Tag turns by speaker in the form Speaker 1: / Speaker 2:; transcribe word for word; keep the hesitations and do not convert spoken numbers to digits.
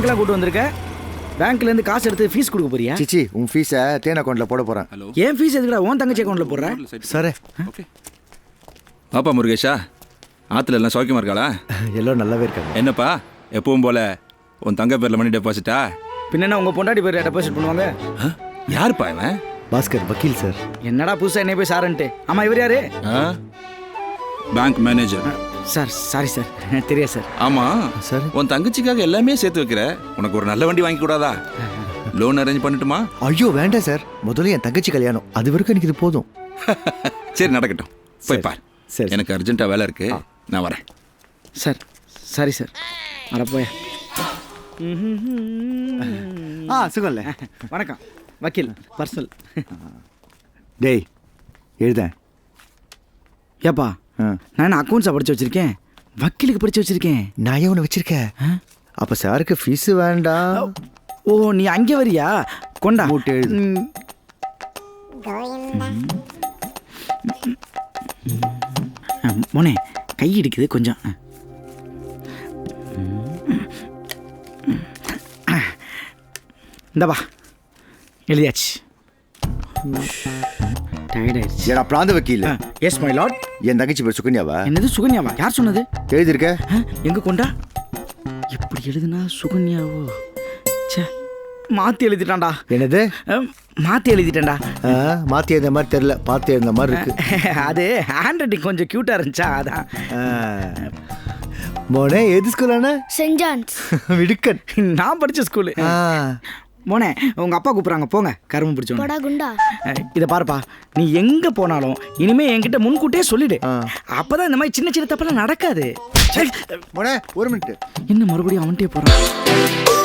Speaker 1: பேங்க்லாம் கூட்டு வந்திருக்க? பேங்க்ல இருந்து காசு எடுத்து ஃபீஸ் கொடுக்க போறியா?
Speaker 2: சிச்சி உன் ஃபீஸை தேன் அக்கௌண்ட்ல போட போறேன்.
Speaker 1: ஏன் ஃபீஸ் எதுக்குடா உன் தங்கச்சி அக்கௌண்ட்ல போடுற?
Speaker 2: சரி.
Speaker 3: ஓகே. பாப்பா முருகேஷா, ஆத்துல எல்லாம் சௌக்கியமா இருக்காளா?
Speaker 2: எல்லாம் நல்லாவே இருக்காங்க.
Speaker 3: என்னப்பா எப்பவும் போல உன் தங்க பேர்ல மணி டெபாசிட்டா?
Speaker 1: பின்ன உங்க பொண்டாட்டி பேர் டெபாசிட் பண்ணுவாங்க.
Speaker 3: யாருப்பா இவன்?
Speaker 2: பாஸ்கர் வக்கீல் சார்.
Speaker 1: என்னடா புதுசா என்ன போய் சாரன்ட்டு? ஆமா இவர் யாரு?
Speaker 3: Bank manager
Speaker 1: sir. Sorry sir, தெரியாது சார்.
Speaker 3: ஆமா
Speaker 2: சார்,
Speaker 3: உன் தங்கச்சிக்காக எல்லாமே சேர்த்து வைக்கிற, உனக்கு ஒரு நல்ல வண்டி வாங்கி கூடாதா? லோன் அரேஞ்ச் பண்ணட்டுமா?
Speaker 2: ஐயோ வேண்டாம் சார், முதல்ல என் தங்கச்சி கல்யாணம், அது வரைக்கும் எனக்கு இது போதும்.
Speaker 3: சரி நடக்கட்டும், போய் பார்.
Speaker 2: சரி,
Speaker 3: எனக்கு அர்ஜென்ட்டா வேலை இருக்கு, நான் வரேன்.
Speaker 1: சார் சாரி சார், வர போயா.
Speaker 2: ஆ சுகம்ல.
Speaker 1: வணக்கம் வக்கீல் பர்சல்.
Speaker 2: டேய் எழுதேன்.
Speaker 1: ஏப்பா நான் அக்கௌண்ட்ஸை படிச்சு வச்சிருக்கேன், வக்கீலுக்கு படிச்சு வச்சிருக்கேன்.
Speaker 2: நான் ஏன் ஒன்று வச்சிருக்கேன்? அப்போ சாருக்கு ஃபீஸு வேண்டாம்.
Speaker 1: ஓ நீ அங்கே வரியா? கொண்டா
Speaker 2: மூட்டை எழுது.
Speaker 1: மோனே கை இடிக்குது கொஞ்சம். இந்தப்பா எழுதியாச்சு. டயர்டாயிருச்சு.
Speaker 2: ஏடா பிராந்த வக்கீல்.
Speaker 1: S my Lord.
Speaker 2: என் தங்கச்சி பேர் சுகன்யாவா?
Speaker 1: என்னது சுகன்யாவா? யார் சொன்னது?
Speaker 2: எழுதிருக்க.
Speaker 1: எங்க கொண்டா? இப்படி எழுதுனா சுகன்யாவோ? சே மாற்றி எழுதிட்டான்டா.
Speaker 2: என்னது?
Speaker 1: மாற்றி எழுதிட்டேன்டா.
Speaker 2: மாற்றி எழுந்த மாதிரி தெரியல, பார்த்து எழுந்த மாதிரி இருக்கு.
Speaker 1: அது ஹேண்ட் ரைட்டிங் கொஞ்சம் க்யூட்டாக இருந்துச்சா அதான்.
Speaker 2: மோனே எது ஸ்கூலான?
Speaker 4: Send John's.
Speaker 2: விடுக்கன்.
Speaker 1: நான் படித்த ஸ்கூலு. மோனே உங்க அப்பா கூப்பிட்றாங்க, போங்க. கரும்பு பிடிச்சோம்.
Speaker 4: போடா குண்டா.
Speaker 1: இதை பாருப்பா, நீ எங்க போனாலும் இனிமே என்கிட்ட முன்கூட்டியே சொல்லிடு. அப்பதான் இந்த மாதிரி சின்ன சின்ன தப்பெல்லாம் நடக்காது.
Speaker 2: மோனே ஒரு மினிட்.
Speaker 1: என்ன மறுபடியும் அவன்கிட்டே போறான்?